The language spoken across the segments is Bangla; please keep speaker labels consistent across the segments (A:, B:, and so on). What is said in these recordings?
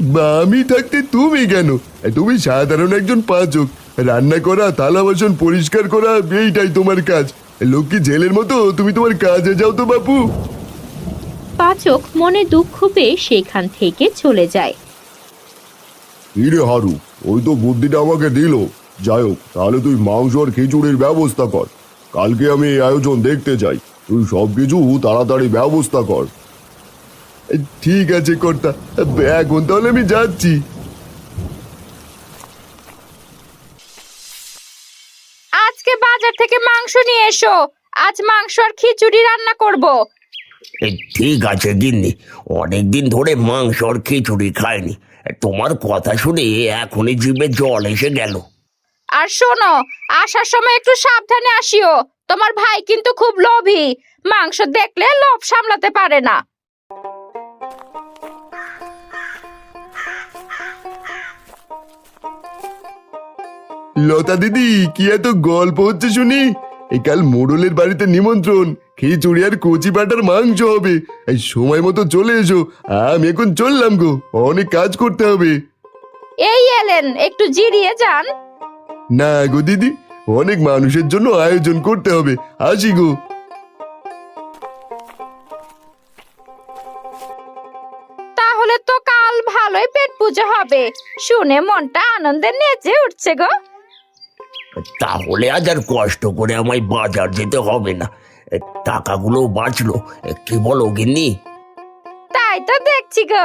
A: আমি থাকতে তুমি কেন? তুমি সাধারণ একজন পাচক। রান্না করা, থালা বাসন পরিষ্কার করা, এইটাই তোমার কাজ। লক্ষ্মী ছেলের মতো তুমি তোমার কাজে যাও তো বাপু।
B: পাচক মনে দুঃখ পেয়ে সেখান থেকে চলে যায়।
A: ইরে হারু, ওই তো বুদ্ধিটা আমাকে দিল। যাই হোক, তাহলে তুই মাংস আর খিচুড়ির ব্যবস্থা কর। কালকে আমি এই আয়োজন দেখতে চাই। তুই সবকিছু তাড়াতাড়ি ব্যবস্থা কর। ঠিক আছে কর্তা, এখন তাহলে আমি যাচ্ছি।
B: আজকে বাজার থেকে মাংস নিয়ে এসো, আজ মাংস আর খিচুড়ি রান্না করব।
C: ঠিক আছে গিন্নি, অনেকদিন ধরে মাংস আর খিচুড়ি খাইনি। তোমার কথা শুনে এখনই জিভে জল এসে গেল।
B: আর শোনো, আসার সময় একটু সাবধানে আসিও। তোমার ভাই কিন্তু খুব লোভী, মাংস দেখলে লোভ সামলাতে পারে না।
A: লতা দিদি, কি এত গল্প হচ্ছে শুনি? এই কাল মোড়লের বাড়িতে নিমন্ত্রণ, খিচুড়ি আর কচি পাটার মাংস হবে। এই সময় মতো চলে এসো। আমি এখন চললাম গো, অনেক কাজ করতে হবে।
B: এই এলেন, একটু জিরিয়ে যান।
A: না গো দিদি, অনেক মানুষের জন্য আয়োজন করতে হবে। আসি গো।
B: তাহলে তো কাল ভালোই পেট পুজো হবে, শুনে মনটা আনন্দে নেচে উঠছে গো।
C: তাহলে আজ আর কষ্ট করে আমায় বাজার যেতে হবে না, টাকাগুলো বাঁচলো। কি বলো গিন্নি?
B: তাই তো দেখছি গো।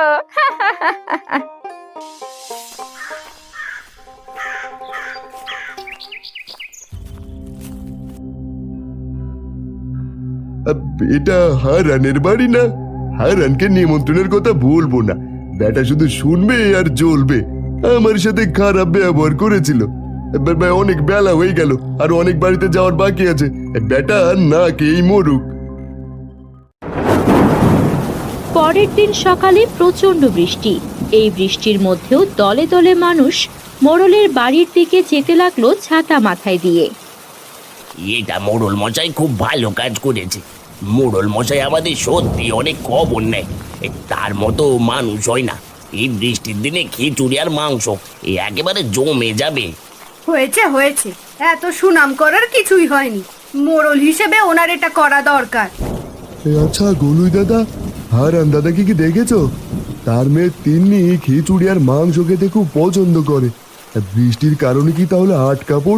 A: এটা হারানের বাড়ি না? হারানকে নিমন্ত্রণের কথা বলবো না। বেটা শুধু শুনবে আর জ্বলবে। আমার সাথে খারাপ ব্যবহার করেছিল। অনেক বেলা হয়ে গেল, আর অনেক বাড়িতে যাওয়ার বাকি আছে। বেটা না খেয়েই মরুক।
B: পরের দিন সকালে প্রচন্ড বৃষ্টি। এই বৃষ্টির মধ্যেও দলে দলে মানুষ মোড়লের বাড়ির দিকে যেতে লাগলো ছাতা মাথায় দিয়ে।
C: এটা মোড়ল মশাই খুব ভালো কাজ করেছে। মোড়ল মশাই আমাদের সত্যি অনেক খবর নেয়। তার মতো মানুষ হয় না। এই বৃষ্টির দিনে খিচুড়ি আর মাংস একেবারে জমে যাবে।
D: হয়েছে হয়েছে, এত সুনাম করার কিছুই হয়নি। মোড়ল হিসেবে ওনার এটা করা দরকার।
A: আচ্ছা গোলুই দাদা, হারান দাদাকে কি দেখেছো? তার মেয়ে তিন্নি খিচুড়ি আর মাংস খেতে খুব পছন্দ করে। বৃষ্টির কারণে কি তাহলে আটকা পড়ল?